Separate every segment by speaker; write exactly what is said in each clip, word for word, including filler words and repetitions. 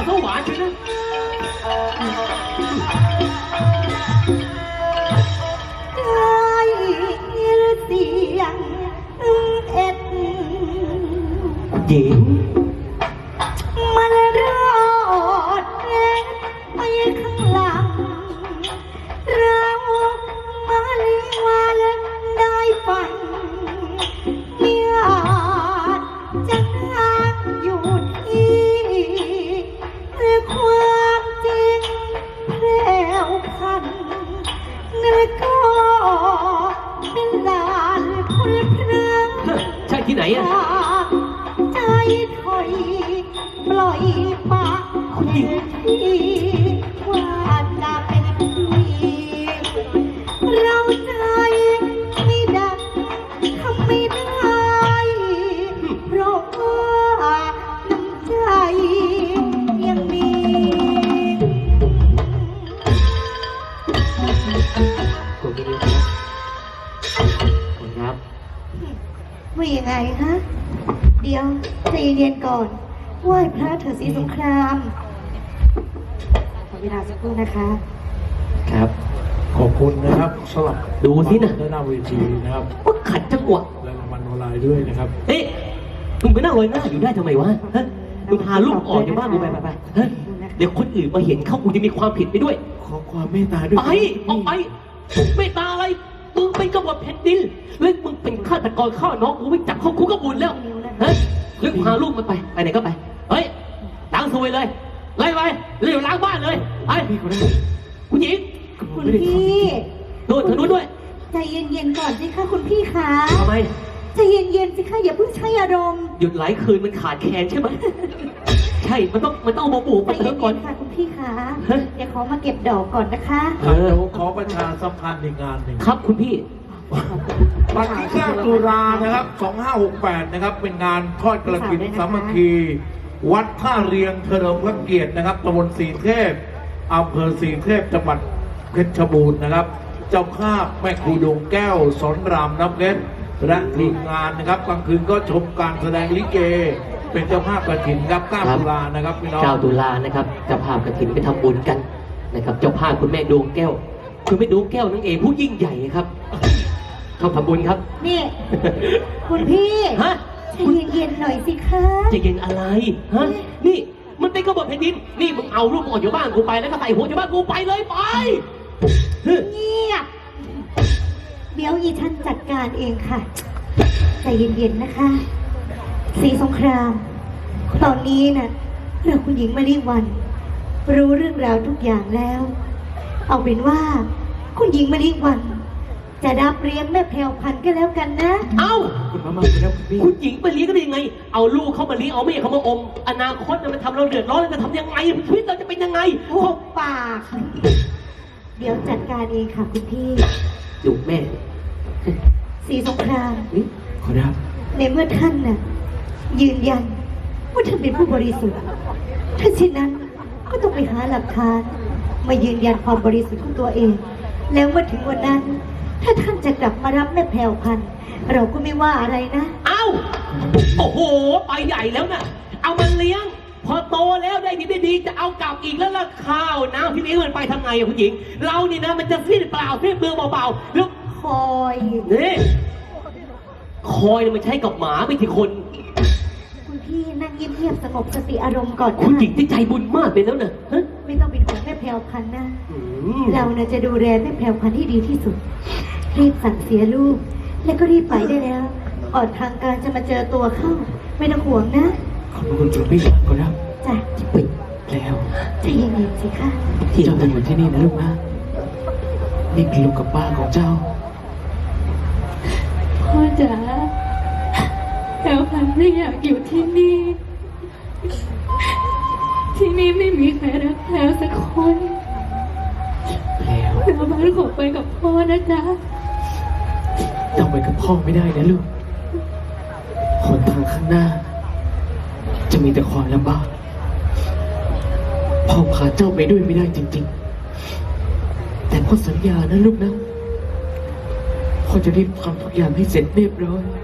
Speaker 1: สวรรค์เลยนะ
Speaker 2: เสียงเอ็ด
Speaker 1: หญิง
Speaker 2: มันรอดเอ็ดไปข้างหลังเรามาลีวาลได้ฝันเมียจะนั่งอยู่ที่ความจริงแพร่พันแล้วก็เป็นลานคุณพระ
Speaker 1: ใช่ที่ไหนอะ
Speaker 2: ใจถอยปล่อยปากที่ว่าจะเป็นพี่เราใจไม่ดังทำไม่ได้เพราะว่าน้ำใจยังมี
Speaker 1: ขอบคุณครับ
Speaker 2: ว่ายังไงฮะเดี๋ยวใจเย็นๆก่อนไหว้พระเถิดศรีสงครามขอเวลาสักครู่นะคะ
Speaker 1: ครับ
Speaker 3: ขอบคุณนะครับสำหรับ
Speaker 1: ดูสินะ
Speaker 3: ด้านหน้าเวทีนะครับ
Speaker 1: ว่าขัดจังหวะ
Speaker 3: และรางวัลออนไลน์ด้วยนะครับ
Speaker 1: เอ๊ะมึงไปนั่งลอยหน้าอยู่ได้ทำไมวะฮะมึงพาลูกออกจากบ้านกูไปไปไปฮะเดี๋ยวคนอื่นมาเห็นเข้ากูจะมีความผิดไปด้วย
Speaker 3: ขอความเมตตาด้วย
Speaker 1: ไปออกไปเมตตาอะไรมึงเป็นกบฏแผ่นดินแล้วมึงเป็นฆาตกรฆ่าน้องกูไม่จับเข้าคุกก็บุญแล้วฮะเรื่องพาลูกมันไปไปไหนก็ไปเฮ้ยล้างซวยเลยไล่ไปเรียกล้างบ้านเลยไปคุณหญิง
Speaker 2: คุณพี่
Speaker 1: โดนทางนู้นด้วย
Speaker 2: ใจเย็นๆก่อนสิคะคุณพี่คะ
Speaker 1: ทำไม
Speaker 2: ใจเย็นๆสิคะอย่าเพิ่งใช้อารมณ์
Speaker 1: หยุดหลายคืนมันขาดแคลนใช่ไหมใช่มันต้องมันต้องมาบุกมาเติมก่อน
Speaker 2: ค่ะคุณพี่คะเดี๋ยวขอมาเก็บดอกก่อนนะคะ
Speaker 3: เออขอประชาสัมพันธ์ในงานหนึ่ง
Speaker 1: ครับคุณพี่
Speaker 3: วันที่เก้าตุลานะครับสองห้าหกแปดนะครับเป็นงานทอดกระถิ่นสามัคคีวัดท่าเรียงเฉลิมพระเกียรตินะครับตำบลสีเทพอำเภอสีเทพจังหวัดเพชรบูรณ์นะครับเจ้าภาพแม่ครูดวงแก้วสอนรามน้ำเพชรและทีมงานนะครับกลางคืนก็ชมการแสดงลิเกเป็นเจ้าภาพกฐินครับเก้าตุลานะครับพี่น้อง
Speaker 1: เก้าตุลานะครับเจ้าภาพกฐินไปทำบุญกันนะครับเจ้าภาพคุณแม่ดวงแก้วคุณแม่ดวงแก้วนั่นเองผู้ยิ่งใหญ่ครับเขาทำบุญครับ
Speaker 2: นี่คุณพี่
Speaker 1: ฮะ
Speaker 2: ใจเย็นๆหน่อยสิคะ
Speaker 1: ใจเย็นอะไรฮะนี่มันเป็นกบฏแผ่นดินนี่มึงเอาลูกออกจากบ้านกูไปแล้วก็ใส่หัวจากบ้านกูไปเลยไป
Speaker 2: เงียบเดี๋ยวอีท่านจัดการเองค่ะใจเย็นๆนะคะศรีสงครามตอนนี้น่ะเราคุณหญิงมาริวันรู้เรื่องราวทุกอย่างแล้วเอาเป็นว่าคุณหญิงมาริวันจะรับเลี้ยงแม่แพรวพันธุ์ก็แล้วกันนะ
Speaker 1: เอ้าคุณหญิงมาเลี้ยงก็ได้ยังไงเอาลูกเขามาเลี้ยงเอาแม่เขามาอมอนาคตมันทำเราเดือดร้อนเราจะทำยังไงชีวิตเราจะเป็นยังไง
Speaker 2: พวกปากเดี๋ยวจัดการเองค่ะคุณพี่
Speaker 1: ลูกแม่
Speaker 2: ศรีสงคราม
Speaker 3: ขอรับ
Speaker 2: ในเมื่อท่านน่ะยืนยันว่าท่านเป็นผู้บริสุทธิ์ถ้าเช่นนั้นก็ต้องไปหาหลักฐานมายืนยันความบริสุทธิ์ของตัวเองแล้วเมื่อถึงวันนั้นถ้าท่านจะกลับมารับแม่แพรวพันธุ์เราก็ไม่ว่าอะไรนะ
Speaker 1: เอ้าโอ้โหไปใหญ่แล้วนะเอามันเลี้ยงพอโตแล้วได้ดีได้ดีจะเอากลับอีกแล้วล่ะข้าวน้ำพี่เลี้ยงมันไปทำไงอะคุณหญิงเรานี่นะมันจะสิ้นเปล่าสิ้นเปลืองเบาๆแล้ว
Speaker 2: คอย
Speaker 1: นี่คอยมันใช้กับหมาไม่ใช่คน
Speaker 2: คุณพี่นั่งเงียบๆสงบสติอารมณ์ก่อน
Speaker 1: คุณหญิงที่ใจบุญมากเป็นแล้วนะ
Speaker 2: ไม่ต้องเป็นห่วงแม่แพรวพันธุ์นะเราเนี่ยจะดูแลแม่แพรวพันธุ์ที่ดีที่สุดรีบสั่งเสียลูกแล้วก็รีบไปได้แล้วออกทางการจะมาเจอตัวเข้าไม่ต้องห่วงนะ
Speaker 3: ขอบคุณคุณพี่ขอรับ
Speaker 2: จ้ะ
Speaker 1: ปิดแล้ว
Speaker 2: ใจเย็นๆสิคะ
Speaker 3: ที่เราจะอยู่ที่นี่นะลูกนะนี่คือลูกกับป้าของเจ้า
Speaker 2: พ่อจ๋าแพรวพันธุ์ไม่อยากอยู่ที่นี่ที่นี่ไม่มีใครรักแพรวสักคน
Speaker 3: แล้ว
Speaker 2: แพรวพันธุ์ขอไปกับพ่อนะจ๊ะ
Speaker 3: ต้องไปกับพ่อไม่ได้นะลูกหนทางข้างหน้าจะมีแต่ความลำบากพ่อพาเจ้าไปด้วยไม่ได้จริงๆแต่พ่อสัญญานะลูกนะพ่อจะรีบทำทุกอย่างให้เสร็จเรียบร้อย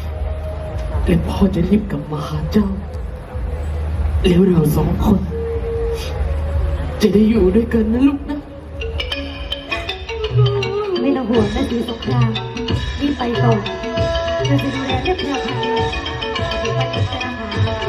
Speaker 3: และพ่อจะรีบกลับมาหาเจ้าแล้วเราสองคน
Speaker 1: จะได้อยู่ด้วยกันนะลูกนะ
Speaker 2: ไม่ต้องห่วงนะสีสงครามรีบไปก่อนเราจะดูแลเรื่องแพรวพราวเดี๋ยวไปจัดการหา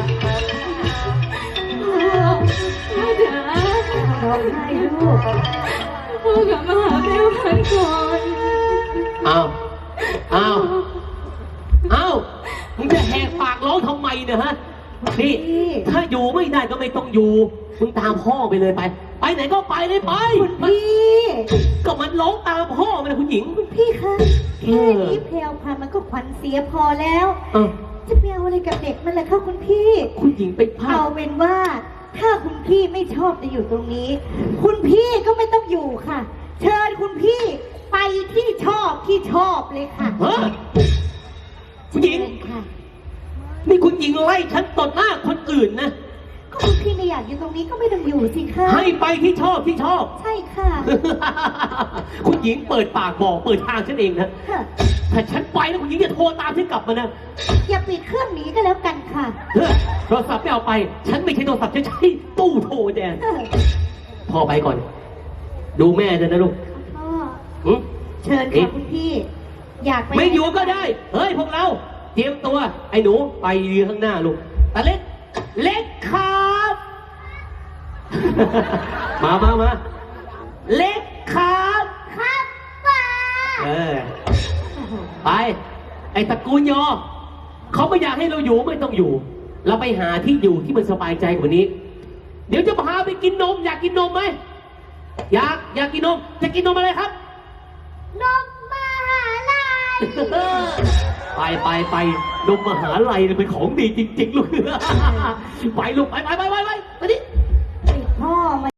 Speaker 4: พ่อจ๋า
Speaker 2: ร้องไห้ลูก
Speaker 4: พ่อกลับมาหาแม่พันก่อน
Speaker 1: อ้าวอ้าวอ้าวมึงจะแหกปากร้องทำไมเนี่ยฮะนี่ถ้าอยู่ไม่ได้ก็ไม่ต้องอยู่มึงตามพ่อไปเลยไป ไปไหนก็ไปเลยไป
Speaker 2: คุณพี่
Speaker 1: ก็มันร้องตามพ่อมันนะคุณหญิง
Speaker 2: คุณพี่คะแค่นี้แพรวพราวมันก็ขวัญเสียพอแล้ว
Speaker 1: เออ
Speaker 2: จะไปเอาอะไรกับเด็กมันล่ะคะคุณพี่
Speaker 1: คุณหญิงไปพลา
Speaker 2: เอา
Speaker 1: ด
Speaker 2: เป็นว่า ถ้าคุณพี่ไม่ชอบจะอยู่ตรงนี้ คุณพี่ก็ไม่ต้องอยู่ค่ะ เชิญคุณพี่ไปที่ชอบที่ชอบเลยค่ะ
Speaker 1: เฮ้ยคุณหญิง
Speaker 2: เชิญค่ะ
Speaker 1: นี่คุณหญิงไล่ฉันต่อหน้าคนอื่นนะ
Speaker 2: ก็คุณพี่ไม่อยากอยู่ตรงนี้ก็ไม่ต้องอยู่สิคะ
Speaker 1: ให้ไปที่ชอบที่ชอบ
Speaker 2: ใช่ค่ะ
Speaker 1: คุณหญิงเปิดปากบอกเปิดทางฉันเองนะ
Speaker 2: ค่ะ
Speaker 1: ถ้าฉันไปแล้วคุณหญิงจะโทรตามฉันกลับมานะ
Speaker 2: อย่าปิดเครื่องหนีก็แล้วกันค่ะ
Speaker 1: เฮ้ยโทรศัพท์ไม่เอาไป ฉันไม่ใช่โทรศัพท์ฉันใช้ตู้โทรแดน
Speaker 2: เออ
Speaker 1: พ่อไปก่อน ดูแม่ด้วยนะลูก
Speaker 2: พ่อ
Speaker 1: หึ
Speaker 2: เชิญค่ะคุณพี่ อยากไป
Speaker 1: ไม่อยู่ก็ได้ เฮ้ยพวกเรา เตรียมตัว ไอ้หนูไปยืนข้างหน้าลูกตาเล็ก เล็กครับ มามามาเล็กครับ
Speaker 2: ครับป้า
Speaker 1: เออ ไป ไอ้ตระกูลยอ เขาไม่อยากให้เราอยู่ไม่ต้องอยู่ เราไปหาที่อยู่ที่มันสบายใจกว่านี้ เดี๋ยวจะพาไปกินนม อยากกินนมไหม อยาก อยากกินนม จะกินนมอะไรครับ
Speaker 2: นมมหาลัย
Speaker 1: ไปไปไปนมมหาลัยเนี่ยเป็นของดีจริง ๆ ลูก ไปลูก ไปไปไปไปไปไปดิ